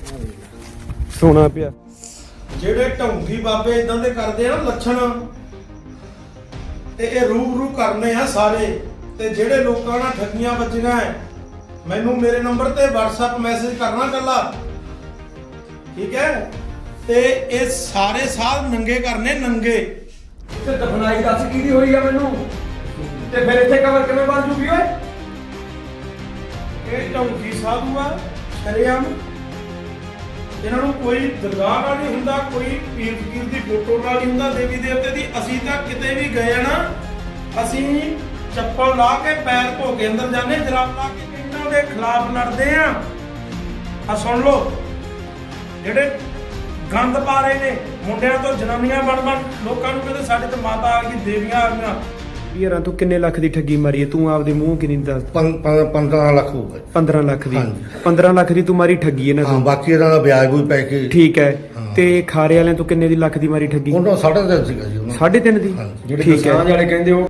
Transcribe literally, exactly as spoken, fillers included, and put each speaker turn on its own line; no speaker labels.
ਸੋਨਾ ਪਿਆ।
ਜਿਹੜੇ ਢੌਂਗੀ ਬਾਬੇ ਇਦਾਂ ਦੇ ਕਰਦੇ ਆ ਨਾ ਲੱਛਣ, ਤੇ ਇਹ ਰੂਬਰੂ ਕਰਨੇ ਆ ਸਾਰੇ। ਤੇ ਜਿਹੜੇ ਲੋਕਾਂ ਨਾਲ ਠੱਗੀਆਂ ਵੱਜੀਆਂ ਐ, ਮੈਨੂੰ ਮੇਰੇ ਨੰਬਰ ਤੇ WhatsApp ਮੈਸੇਜ ਕਰਨਾ ਕੱਲਾ, ਠੀਕ ਹੈ। ਤੇ ਇਹ ਸਾਰੇ ਸਾਧ ਨੰਗੇ ਕਰਨੇ, ਨੰਗੇ।
ਤੇ ਦਫਨਾਈ ਦੱਸ ਕਿਹਦੀ ਹੋਈ ਆ ਮੈਨੂੰ, ਤੇ ਫਿਰ ਇੱਥੇ ਕਬਰ ਕਿਵੇਂ ਬਣ ਜੂਗੀ ਓਏ?
ਇਹ ਢੌਂਗੀ ਸਾਧੂ ਆ ਸ਼ਰੇਆਮ। ਇਹਨਾਂ ਨੂੰ ਕੋਈ ਦਰਗਾਹ ਨਾਲ ਨਹੀਂ ਹੁੰਦਾ, ਕੋਈ ਪੀਰ ਫਕੀਰ ਦੀ ਫੋਟੋ ਨਾਲ ਨਹੀਂ ਹੁੰਦਾ, ਦੇਵੀ ਦੇਵਤੇ ਦੀ। ਅਸੀਂ ਤਾਂ ਕਿਤੇ ਵੀ ਗਏ ਆ ਨਾ, ਅਸੀਂ ਚੱਪਲ ਲਾ ਕੇ ਪੈਰ ਧੋ ਕੇ ਅੰਦਰ ਜਾਂਦੇ, ਜਰਾਬ ਲਾ ਕੇ ਇਹਨਾਂ ਦੇ ਖਿਲਾਫ ਲੜਦੇ ਆ। ਆ ਸੁਣ ਲਓ, ਜਿਹੜੇ ਗੰਦ ਪਾ ਰਹੇ ਨੇ, ਮੁੰਡਿਆਂ ਤੋਂ ਜਨਾਨੀਆਂ ਬਣ ਬਣ ਲੋਕਾਂ ਨੂੰ ਕਹਿੰਦੇ ਸਾਡੇ ਤੇ ਮਾਤਾ ਆ ਗਈ, ਦੇਵੀਆਂ ਆ ਗਈਆਂ।
ਯਾਰਾਂ ਤੂੰ ਕਿੰਨੇ ਲੱਖ ਦੀ ਠੱਗੀ ਮਾਰੀ ਹੈ? ਤੂੰ ਆਪਦੇ ਮੂੰਹ ਕਿੰਨੀ ਦੱਸ।
ਪੰਦਰਾਂ ਲੱਖ ਹੋਊਗਾ।
ਪੰਦਰਾਂ ਲੱਖ ਦੀ?
ਹਾਂਜੀ।
ਪੰਦਰਾਂ ਲੱਖ ਦੀ ਤੂੰ ਮਾਰੀ ਠੱਗੀ ਇਹਨਾਂ
ਹਾਂ,
ਤੋਂ?
ਬਾਕੀ ਇਹਨਾਂ ਦਾ ਵਿਆਜ ਵੀ ਪੈ ਕੇ।
ਠੀਕ ਹੈ।
ਹਾਂ।
ਤੇ ਖਾਰੇ ਵਾਲਿਆਂ ਤੋਂ ਕਿੰਨੇ ਦੀ ਲੱਖ ਦੀ ਮਾਰੀ ਠੱਗੀ?
ਉਹਨਾਂ ਸਾਢੇ ਤਿੰਨ ਸੀਗਾ ਜੀ ਉਹਨਾਂ।
ਸਾਢੇ ਤਿੰਨ ਦੀ?
ਹਾਂਜੀ।
ਜਿਹੜੇ
ਠੀਕ ਹੈ।
ਕਿਸਾਨ ਵਾਲੇ ਕਹਿੰਦੇ ਉਹ